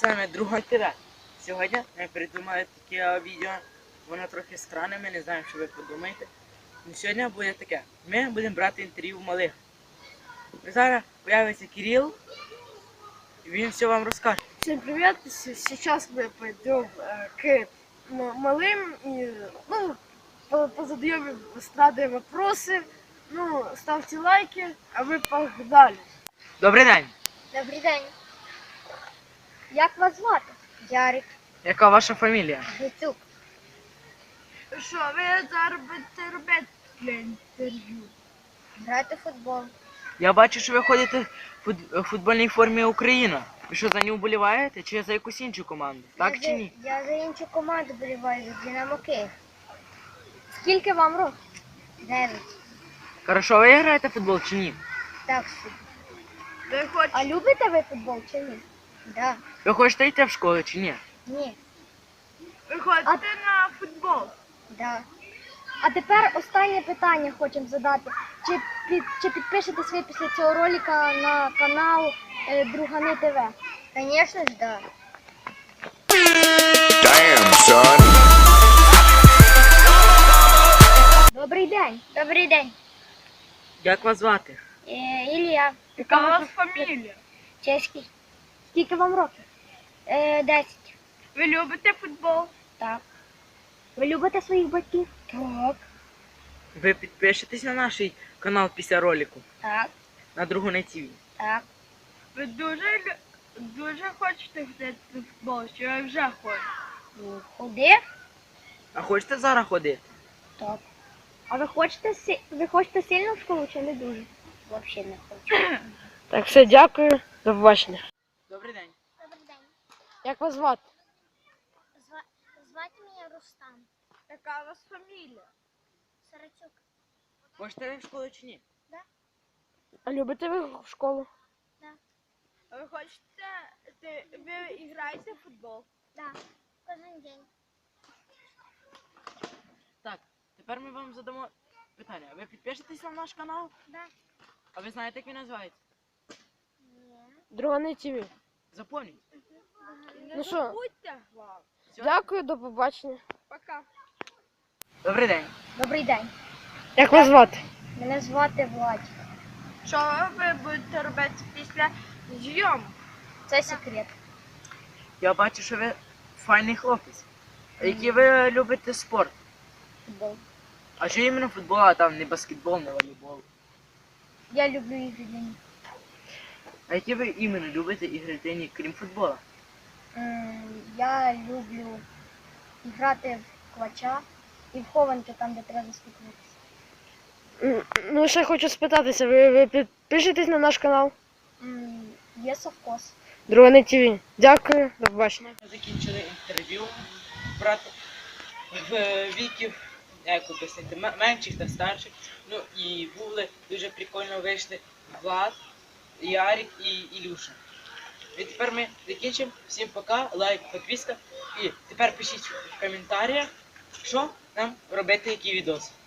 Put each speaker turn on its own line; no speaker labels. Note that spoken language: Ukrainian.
З вами Друга ТВ. Сьогодні ми придумали таке відео, воно трохи странне, ми не знаємо, що ви подумаєте. Но сьогодні буде таке. Ми будемо брати інтерв'ю в малих. Зараз появиться Кирил, і він все вам розкаже.
Всем привет! Сейчас мы пойдем к малым и позадаем им эстрадные вопросы. Ставьте лайки, а мы погнали.
Добрий день!
Добрий день. Як вас звати? Ярик.
Яка ваша фамілія?
Грицюк.
Що ви зараз будете робити для інтерв'ю?
Грати в футбол.
Я бачу, що ви ходите в футбольній формі Україна. Ви що, за нього вболіваєте чи за якусь іншу команду? Так чи ні?
Я за іншу команду боліваю, за Динамо Київ. Скільки вам років? 9.
Хорошо, ви граєте в футбол чи ні?
Так собі.
Ви хочете?
А любите ви футбол чи ні? Да.
Ви хочете йти в школу чи ні?
Ні.
Ви ходите на футбол?
Да. А тепер останнє питання хочемо задати. Чи підпишетесь ви після цього ролика на канал Другани ТВ? Звісно ж, да.
Damn, son.
Добрий день. Добрий день.
Як вас звати?
Ілля.
Яка у вас фамілія?
Чеський. Скільки вам років? 10.
Ви любите футбол?
Так. Ви любите своїх батьків? Так.
Ви підпишетесь на наш канал після ролику
Так.
на Другане ТВ.
Так.
Ви дуже хочете грати в футбол, чи ви вже ходите?
Ходив?
А хочете зараз ходити?
Так. А ви хочете сильно в школу чи не дуже? Взагалі не хочу.
Так, все, дякую. До побачення.
Добрий день.
Добрий день.
Як вас звати?
Звати мене Рустам.
Яка у вас фамілія?
Сарацюк.
Хочете ви в школу чи ні?
А любите ви школу?
Да.
А ви хочете, ви граєте в футбол?
Так. Кожен день.
Так, тепер ми вам задамо питання. Ви підпишетесь на наш канал?
Да.
А ви знаєте, як він називається?
Ні.
Другане ТВ.
Запомніть.
Ну що? Забудьте,
Всьо?
Дякую, до побачення. Пока.
Добрий день.
Добрий день.
Як вас звати?
Мене звати Владик.
Що ви будете робити після зйомок?
Це секрет.
Я бачу, що ви файний хлопець. А який ви любите спорт?
Футбол.
А що іменно футбол, а там не баскетбол, не волейбол?
Я люблю ігри для них.
А які ви іменно любите ігри тені, крім футбола?
Я люблю грати в квача і в хованки там, де треба заспокоїтися.
Ну, ще хочу спитатися, ви підпишетесь на наш канал?
Є совкос.
Другане ТВ. Дякую, до побачення.
Ми закінчили інтерв'ю брати в віків, як об'яснити, менших та старших. Ну і були дуже прикольно вийшли Влад, Ярик і Ілюша. І тепер ми закінчимо. Всім пока, лайк, підписка. І тепер пишіть в коментарях, що нам робити, які відоси.